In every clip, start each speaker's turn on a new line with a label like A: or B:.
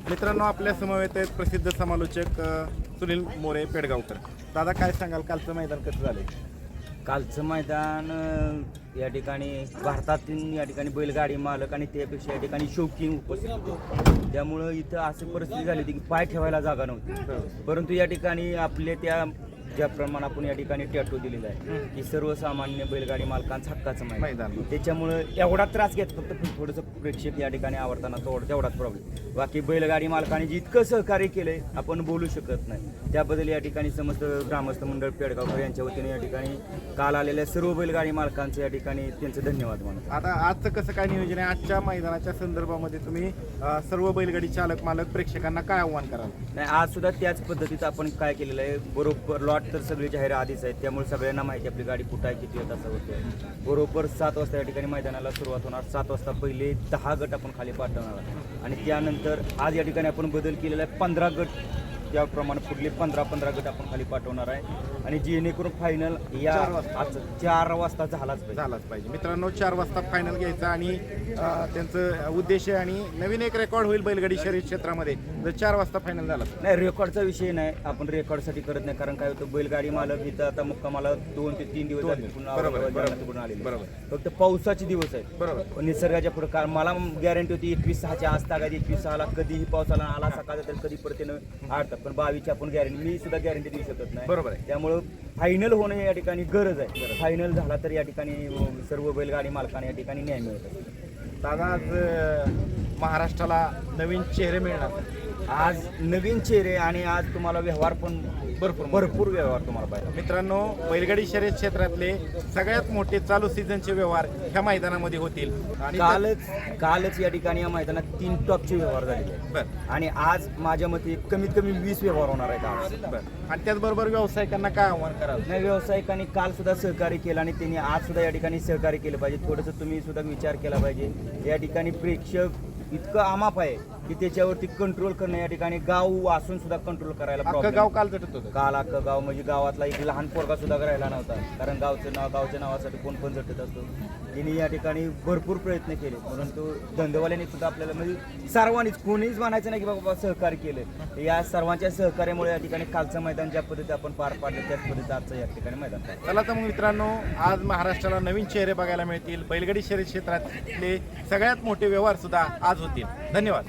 A: मित्रांनो आपल्या समवेत आहेत प्रसिद्ध समालोचक सुनील मोरे पेडगावकर. दादा काय सांगाल, कालचं मैदान कसं झालं?
B: कालचं मैदान या ठिकाणी भारतातील या ठिकाणी बैलगाडी मालक आणि त्यापेक्षा या ठिकाणी शौकीन उपस्थित होते. त्यामुळं इथं अशी परिस्थिती झाली होती की पाय ठेवायला जागा नव्हती. परंतु या ठिकाणी आपले त्या ज्याप्रमाणे आपण या ठिकाणी टॅटो दिलेला आहे की सर्वसामान्य बैलगाडी मालकांचं हक्काचं मैदान, त्याच्यामुळे एवढा त्रास घेत फक्त थोडंसं प्रेक्षक या ठिकाणी आवडताना तेवढाच प्रॉब्लेम. बाकी बैलगाडी मालकांनी जितकं सहकार्य केलंय आपण बोलू शकत नाही. त्याबद्दल या ठिकाणी समस्त ग्रामस्थ मंडळ पेडगावकर यांच्या वतीने या ठिकाणी काल आलेल्या सर्व बैलगाडी मालकांचं या ठिकाणी त्यांचं धन्यवाद मानतो.
A: आता आजचं कसं काय नियोजन आहे? आजच्या मैदानाच्या संदर्भामध्ये तुम्ही सर्व बैलगाडी चालक मालक प्रेक्षकांना काय आव्हान कराल?
B: नाही, आज सुद्धा त्याच पद्धतीत आपण काय केलेलं आहे, बरोबर लॉट तर सगळे जाहीर आधीच आहेत, त्यामुळे सगळ्यांना माहिती आपली गाडी कुठं आहे, किती येत असं होतं. बरोबर 7 वाजता या ठिकाणी मैदानाला सुरुवात होणार. 7 वाजता पहिले 10 गट आपण खाली पाठवणार आणि त्यानंतर आज या ठिकाणी आपण बदल केलेला आहे, 15 गट त्याप्रमाणे पुढले 15 गट आपण खाली पाठवणार आहे आणि जेणेकरून फायनल या 4 वाजता झालाच
A: पाहिजे. मित्रांनो 4 वाजता फायनल घ्यायचा आणि त्यांचं उद्देश आहे आणि नवीन एक रेकॉर्ड होईल बैलगाडी शर्यत क्षेत्रामध्ये जर 4 वाजता फायनल झाला.
B: नाही, रेकॉर्डचा विषय नाही, आपण रेकॉर्डसाठी करत नाही. कारण काय होतं, बैलगाडी मालक इथं आता मुक्कामाला 2 ते 3 दिवस आले. बरोबर, फक्त पावसाचे दिवस आहेत.
A: बरोबर,
B: पण निसर्गाच्या पुढे मला गॅरंटी होती 21/6च्या आज तागायची. 21/6ला कधीही पावसाला आला सकाळचा तर कधी परत त्यानं आडतात. पण 22ची आपण गॅरंटी, मी सुद्धा गॅरंटी देऊ शकत नाही.
A: बरोबर आहे.
B: त्यामुळं फायनल होणं या ठिकाणी गरज आहे. फायनल झाला तर या ठिकाणी सर्व बैलगाडी मालकांना या ठिकाणी न्याय मिळत असतो.
A: दादा आज महाराष्ट्राला नवीन चेहरे मिळणार.
B: आज नवीन चेहरे आणि आज तुम्हाला व्यवहार पण भरपूर व्यवहार तुम्हाला पाहिजे.
A: मित्रांनो बैलगाडी शर्यत क्षेत्रातले सगळ्यात मोठे चालू सीझनचे व्यवहार ह्या मैदानामध्ये होतील. आणि
B: कालच या ठिकाणी या मैदानात 3 टॉपचे व्यवहार झालेले आहेत आणि आज माझ्या मते कमीत कमी 20 व्यवहार होणार आहेत आज.
A: आणि त्याचबरोबर व्यावसायिकांना काय आव्हान कराल?
B: नाही, व्यावसायिकांनी काल सुद्धा सहकार्य केलं आणि त्यांनी आज सुद्धा या ठिकाणी सहकार्य केलं पाहिजे. थोडंसं तुम्ही सुद्धा विचार केला पाहिजे. या ठिकाणी प्रेक्षक इतकं आमाप आहे की त्याच्यावरती कंट्रोल करणं, या ठिकाणी गाव असून सुद्धा कंट्रोल करायला
A: अख्खं गाव काल झटत होतं.
B: काल अख्खं गाव म्हणजे गावातला एक लहान पोरगा सुद्धा राहिला नव्हता. कारण गावच्या नावासाठी कोण पण झटत असतो. त्यांनी या ठिकाणी भरपूर प्रयत्न केले. परंतु धंदेवाल्यांनी सुद्धा आपल्याला म्हणजे सर्वांनीच, कोणीच म्हणायचं नाही की बाबा सहकार्य केलं. या सर्वांच्या सहकार्यामुळे या ठिकाणी कालचं मैदान ज्या पद्धतीने आपण पार पाडलं त्याच पद्धतीचं आजचं या ठिकाणी मैदान.
A: चला तर मग मित्रांनो, आज महाराष्ट्राला नवीन चेहरे बघायला मिळतील. बैलगाडी शर्यत क्षेत्रातले सगळ्यात मोठे व्यवहार सुद्धा आज होतील. धन्यवाद.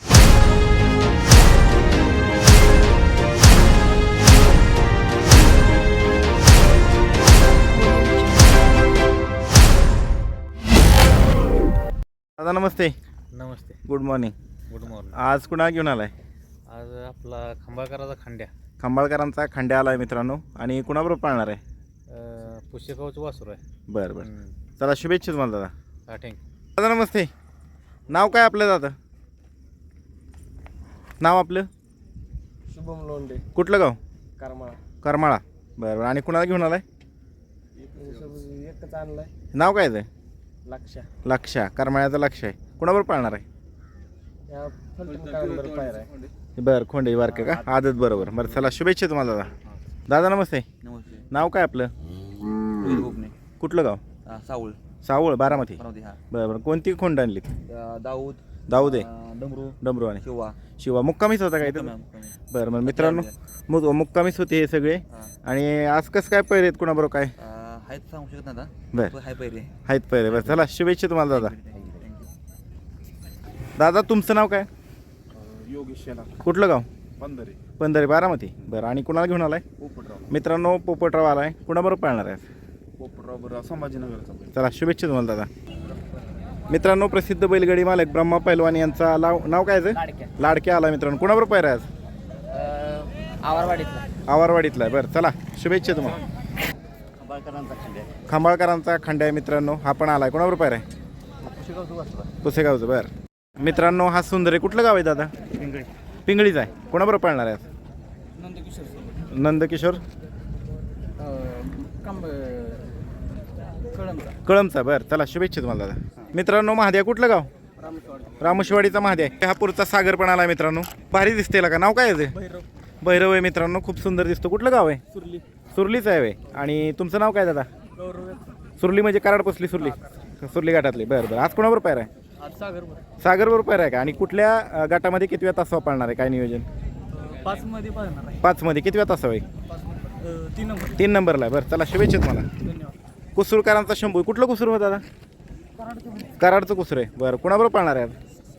A: दादा नमस्ते.
C: नमस्ते.
A: Good morning.
C: Good morning.
A: आज कुणा घेऊन आलाय?
C: आज आपला खंबाळकराचा खांड्या,
A: खंबाळकरांचा खंड्या आलाय मित्रांनो. आणि कुणाबरोबर पाळणार आहे?
C: पुष्यगावचं वासरू आहे.
A: बरं बरं, चला शुभेच्छा तुम्हाला दादा.
C: हा, थँक्यू.
A: दादा नमस्ते. नाव काय आपलं दादा? नाव आपलं?
D: शुभम लोंढे,
A: कुठलं गाव?
D: करमाळा.
A: करमाळा. बरं बरं. आणि कुणाला घेऊन आलाय?
D: एकच आणलाय,
A: नाव काय आहे?
D: लक्षा.
A: करमाळ्याचं लक्ष आहे. कुणाबरोबर पाळणार आहे?
D: या फलटण काळंबर पायर आहे.
A: बरं, खोंडे बारके का आदत? बरोबर. बरं चला शुभेच्छा तुम्हाला दादा. दादा नमस्ते.
B: नमस्ते.
A: नाव काय आपलं? कुठलं गाव? सावळ बारामती. बरं बरं. कोणती खोंड आणली? दाऊद आहे. डमरू आणि शिवा. मुक्कामीच होता काय? बरं बरं मित्रांनो, मुक्कामीच होते हे सगळे. आणि आज कसं काय पैरे आहेत, कुणाबरोबर काय
B: सांगू शकत ना.
A: बरं आहेत पैरे. बरं चला शुभेच्छा तुम्हाला दादा. दादा तुमचं नाव काय?
D: योगेश.
A: कुठलं गाव?
D: पंधरे
A: बारामती. बरं. आणि कुणाला घेऊन आलाय? मित्रांनो पोपटराव आलाय. कुणाबरोबर पाळणार आहे?
D: पोपटराव संभाजीनगरचा.
A: चला शुभेच्छा तुम्हाला दादा. मित्रांनो प्रसिद्ध बैलगाडी मालक ब्रह्मा पैलवान यांचा नाव काय आहे? लाडक्या आला मित्रांनो. कुणाबरोबर पायरा आज? आवारवाडीतला आहे. बरं चला शुभेच्छा तुम्हाला. खंबाळकरांचा खंड्या आहे मित्रांनो, हा पण आलाय. कोणाबरोबर पायरा आहे? पुसेगावचं. बरं मित्रांनो, हा सुंदर आहे. कुठलं गाव आहे दादा? पिंगळीच आहे. कोणाबरोबर पाळणार आहे? नंदकिशोर कळमचा. बरं चला शुभेच्छा तुम्हाला दादा. मित्रांनो महाद्या कुठलं गाव? रामोशीवाडीचा महाद्या. हा पुरचा सागर पण आला मित्रांनो. भारी दिसते का? नाव काय आहे? भैरव आहे मित्रांनो. खूप सुंदर दिसतो. कुठलं गाव आहे? सुरलीच आहे. आणि तुमचं नाव काय दादा? सुरली म्हणजे कराड पसली सुरली घाटातली. बरं बरं. आज कोणाबरोबर पायरा आहे?
D: आज सागरवर
A: सागर बरोबर पायरा आहे का? आणि कुठल्या गटामध्ये कितव्या तासावर पाळणार आहे? काय नियोजन?
D: 5 मध्ये पाहणार आहे.
A: 5 मध्ये कितव्या तासावर आहे?
D: 3 नंबर.
A: 3 नंबरला आहे. बरं चला शुभेच्छा तुम्हाला.
D: धन्यवाद.
A: कुसूरकरांचा शंभू. कुठलं कुसूर होतं दादा? कराडचं कुसूर आहे. बरं कुणाबरोबर पाळणार आहे?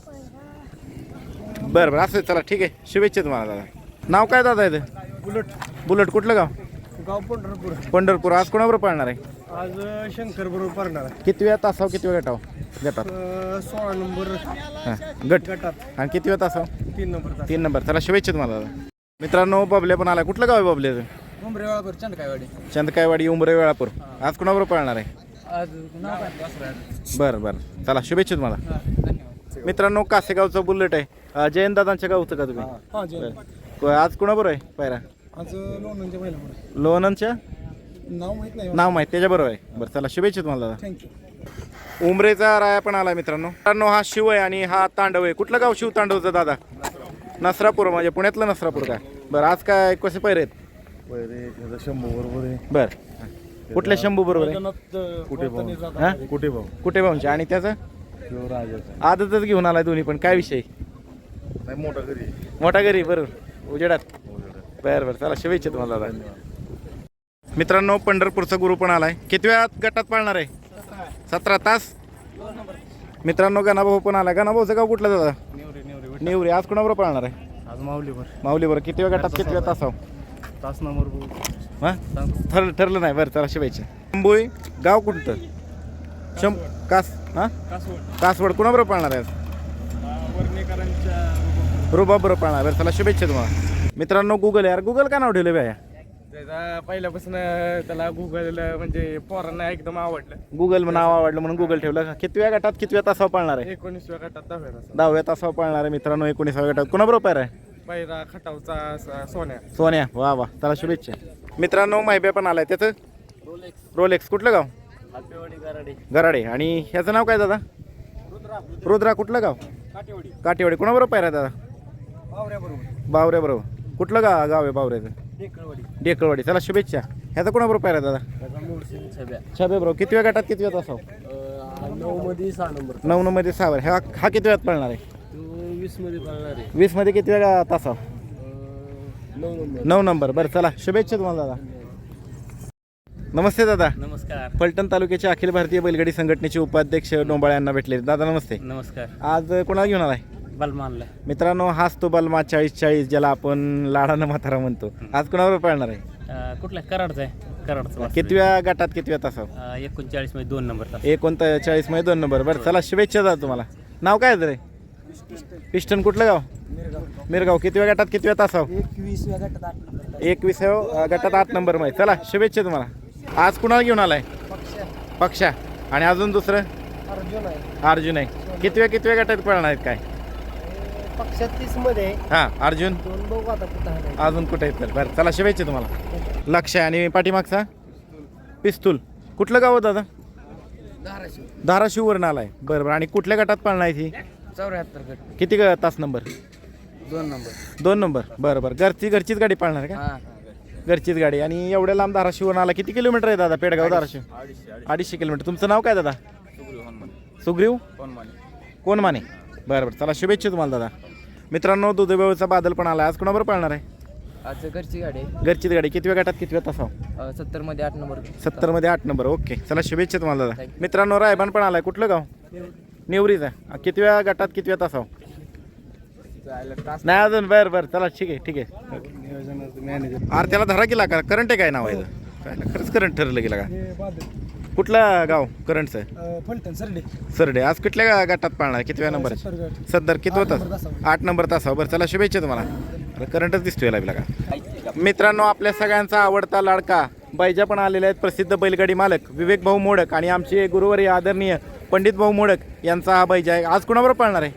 A: बरं बरं असं चला ठीक आहे. शुभेच्छा तुम्हाला दादा. नाव काय दादा आहे?
D: बुलट.
A: बुलट. कुठलं गाव?
D: गाव पंढरपूर.
A: पंढरपूर. आज कोणाबरोबर पाळणार आहे?
D: आज शंकर बरोबर पाहणार आहे.
A: कितव्या तासावर कितव्या गटात?
D: 16 नंबर
A: हां गट.
D: गटात.
A: आणि कितव्या तासावर?
D: 3 नंबर.
A: 3 नंबर. चला शुभेच्छा तुम्हाला दादा. मित्रांनो बबले पण आला. कुठलं गाव आहे बबलेचं?
D: उमरेवाळापूर चंदकायवाडी.
A: चंदकायवाडी उमरे वेळापूर. आज कोणाबरोबर पाळणार आहे?
D: आज नाव काय?
A: बरं बरं चला शुभेच्छा तुम्हाला.
D: धन्यवाद.
A: मित्रांनो कासेगावचं बुलेट आहे. जयंतदादांच्या गावचं का तुम्ही?
D: हां जय.
A: आज कोणाबरोबर आहे पायरा?
D: आज लोणंदच्या महिला
A: लोणंदच्या
D: नाव माहित नाही.
A: नाव माहीत त्याच्याबरोबर आहे. बरं चला शुभेच्छा तुम्हाला दादा.
D: थँक्यू.
A: उमरेचा राया पण आला मित्रांनो. हा शिव आहे आणि हा तांडव आहे. कुठलं गाव शिव तांडवचं दादा? नसरापूर. म्हणजे पुण्यातलं नसरापूर का? बरं आज काय कसे पैरे आहेत?
D: शंभू बरोबर आहे.
A: बरं कुठल्या शंभू बरोबर आहे? हां कुठे भाऊंचे. आणि त्याचं आदतच घेऊन आलाय दोन्ही पण. काय विषय? मोठा घरी. बरोबर उजेडात. बरं बरं चला शुभेच्छा तुम्हाला दादा. मित्रांनो पंढरपूरचा गुरु पण आलाय. कितव्या गटात पाळणार आहे? 17 तास. मित्रांनो गणाभाऊ पण आलाय. गणाभाऊचं गाव कुठलं दादा? नेवरी. आज कोणाबरोबर पाळणार आहे?
D: आज माऊलीवर.
A: माऊलीबरोबर. कितव्या गटात कितव्या तासावर?
D: तास नंबर.
A: हां ठरलं नाही. बरं चला शुभेच्छा. शंभूई गाव कुठतं? कासवड. कुणाबरोबर पाळणार आहे? रुबाब बरोबर पाळणार. बरं चला शुभेच्छा तुम्हाला. मित्रांनो गुगल यार. गुगल का नाव ठेवलं बाया?
D: त्याचा पहिल्यापासून त्याला गुगल म्हणजे पोरांना एकदम आवडलं.
A: गुगल नाव आवडलं म्हणून गुगल ठेवलं. कितव्या गटात कितव्या तासावर पाळणार आहे?
D: 19व्या गटात
A: 10व्या तासावर पाळणार आहे मित्रांनो. 19व्या गटात कुणाबरोबर पायरा आहे?
D: पहिला खटावचा सोन्या.
A: सोन्या. वा वा चला शुभेच्छा. मित्रांनो माहिबे पण आलाय. त्याचं रोलेक्स. कुठलं गाव? गराडे. आणि ह्याचं नाव काय दादा? रुद्रा. कुठलं गाव? काटेवाडी. कुणाबरोबर पायरा दादा? बावऱ्या बरोबर. कुठलं गाव आहे बावऱ्याचं? डेकळवाडी. चला शुभेच्छा. ह्याचा कोणाबरोबर पायरा दादा? छबे बरोबर. कितव्या गटात कितव्या तासावर?
D: 9 मध्ये 6 नंबर.
A: 9 मध्ये 6 हा कितव्यात पळणार आहे?
D: 20 मध्ये पाळणार आहे.
A: 20 मध्ये कितव्या तासावर?
D: 9 नंबर.
A: 9 नंबर. बरं चला शुभेच्छा तुम्हाला दादा. नमस्ते दादा.
B: नमस्कार.
A: फलटण तालुक्याचे अखिल भारतीय बैलगाडी संघटनेचे उपाध्यक्ष डोंबाळे यांना भेटले. दादा नमस्ते.
B: नमस्कार.
A: आज कोणाला घेऊन आलाय?
B: बलमानला.
A: मित्रांनो हाच तो बलमा 40-40 ज्याला आपण लाडानं म्हातारा म्हणतो. आज कोणाबरोबर पाळणार आहे?
B: कुठला? कराडचा आहे. कराडचा.
A: कितव्या गटात कितव्या तासावर?
B: 39 मध्ये 2 नंबर तास.
A: 39 मध्ये 2 नंबर. बरं चला शुभेच्छा दादा तुम्हाला. नाव काय रे? पिस्टन. कुठलं गाव? मिरगाव. कितव्या गटात कितव्या तासावर?
D: 21व्या गटात 8 नंबर.
A: 21व्या गटात 8 नंबर मध्ये. चला शुभेच्छा तुम्हाला. आज कुणाला घेऊन आलाय? पक्षा. आणि अजून दुसरं? अर्जुन आहे. कितव्या गटात पळणार आहेत काय?
D: पक्षात 30 मध्ये.
A: हां अर्जुन.
D: 2 बघू आता कुठं आहे.
A: अजून कुठे आहेत? बरं चला शुभेच्छा तुम्हाला. लक्ष आहे. आणि पाठीमागचा? पिस्तूल. कुठलं गाव दादा? धाराशिववरून आलाय. बरं बरं. आणि कुठल्या गटात पाळणार आहे ती?
D: 74 गट.
A: किती तास नंबर?
D: 2 नंबर.
A: 2 नंबर. बरं बरं. घरचीच गाडी पाळणार का?
D: हां.
A: घरचीच गाडी. आणि एवढ्या लांब धाराशिवरून आला. किती किलोमीटर आहे दादा पेडगाव धाराशिव? 250 किलोमीटर. तुमचं नाव काय दादा? सुग्रीव कोण माने. बरं बरं चला शुभेच्छा तुम्हाला दादा. मित्रांनो दुधेबेळचा बादल पण आला. आज कोणाबरोबर पाळणार आहे?
D: आज घरची गाडी.
A: घरचीच गाडी. कितव्या गटात कितव्या तासावर?
D: 70 मध्ये 8 नंबर.
A: 70 मध्ये 8 नंबर. ओके चला शुभेच्छा तुम्हाला दादा. मित्रांनो रायबान पण आलाय. कुठलं गाव? नेवरीचा. कितव्या गटात कितव्या तासावर? नाही अजून. बरं बरं चला ठीक आहे. अरे त्याला धरा गेला का? करंट आहे काय नाव आहे? खरंच करंट ठरलं गेला का? कुठलं गाव करंटचं?
D: फलटण
A: सरडे. आज कुठल्या गटात पाळणार? कितव्या नंबर? सदर. कितवा तास? 8 नंबर तासावर. बरं चला शुभेच्छा तुम्हाला. करंटच दिसतोय लागला का? मित्रांनो आपल्या सगळ्यांचा आवडता लाडका बैजा पण आलेले आहेत. प्रसिद्ध बैलगाडी मालक विवेक भाऊ मोडक आणि आमचे गुरुवर्य आदरणीय पंडित भाऊ मोडक यांचा हा बैजा आहे. आज कोणाबरोबर पाळणार आहे?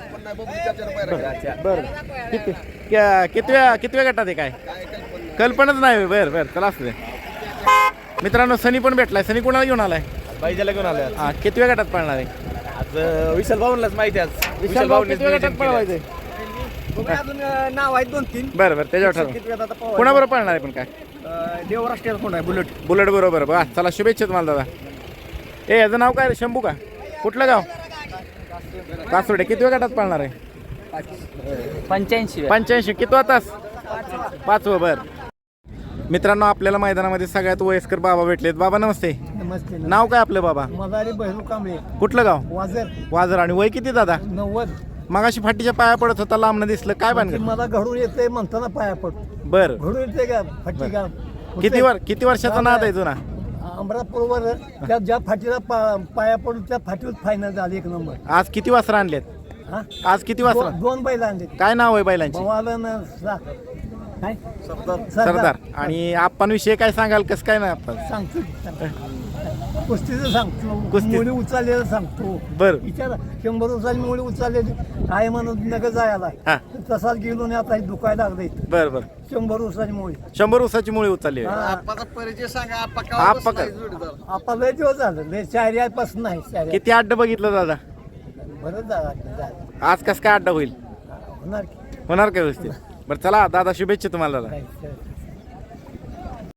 A: बरं कितव्या गटात आहे काय? कल्पनाच नाही. बरं बरं चला असू दे. मित्रांनो सनी पण भेटलाय. सनी कोणाला घेऊन आलाय?
C: बैजाला घेऊन आलोय.
A: हा कितव्या गटात पाळणार आहे?
C: आज विशाल भाऊंलाच माहिती. आज
A: विशाल भाऊ कितव्या गटात पळवायचंय?
D: अजून नाव आहेत 2-3.
A: बरं बरं त्याच्यावर ठरव. कोणाबरोबर पाळणार आहे पण काय?
D: देवराष्ट्रीय कोण आहे?
A: बुलेट बरोबर. बा चला शुभेच्छा तुम्हाला दादा. याचं नाव काय? शंभू का? कुठलं गाव? कासोडे किती वेळ गटात पाळणार आहे
B: 85
A: कितवा तास 5वं. बर मित्रांनो आपल्याला मैदानामध्ये सगळ्यात वयस्कर बाबा भेटलेत. बाबा नमस्ते.
E: नमस्ते.
A: नाव काय आपलं बाबा?
E: मदारी बहिरू कांबळे,
A: कुठलं गाव?
E: वाजर.
A: वाजर. आणि वय किती दादा?
E: 90.
A: मगाशी फाटीच्या पाया पडत होता लांबनं दिसलं काय
E: म्हणजे
A: बांधलं?
E: मला घडून येते म्हणताना पाया पडतो.
A: बर
E: घडून येते का फाटी का
A: किती वर्षाचा नाद आहे जुना?
E: अमरापूरवर त्या ज्या फाटीला पाया पडून त्या फाटीवर फायनल झाली 1 नंबर.
A: आज किती वासरं आणलेत?
E: हा?
A: आज किती वासरं?
E: 2 बैल आणले.
A: काय नाव आहे बैलांची?
E: भवालन काय
A: सरदार. आणि आप्पांविषयी काय सांगाल? कसं काय ना आपण
E: सांगतो कुस्तीचं सांगतो,
A: कुस्ती.
E: मुली उचललेलं सांगतो.
A: बर
E: विचारा 100 वर्षांनी मुली उचललेली आहे म्हणून नका जायला.
A: हा.
E: तसाच गेलो नाही आता दुखायला लागलं इथं.
A: बर बर
E: 100 वर्षांची मुली.
A: 100 उसाची मुळे उचलली आहे.
E: हा.
A: आप्पा का-
E: आपा लय दिवस झालं लय शायऱ्यापासून नाही शायऱ्या
A: किती अड्ड बघितलं दादा?
E: बरंच झालं
A: आज कसं काय अड्डा होईल?
E: होणार की
A: होणार काय व्यवस्थित? बरं चला दादा शुभेच्छा तुम्हाला दादा.
E: काय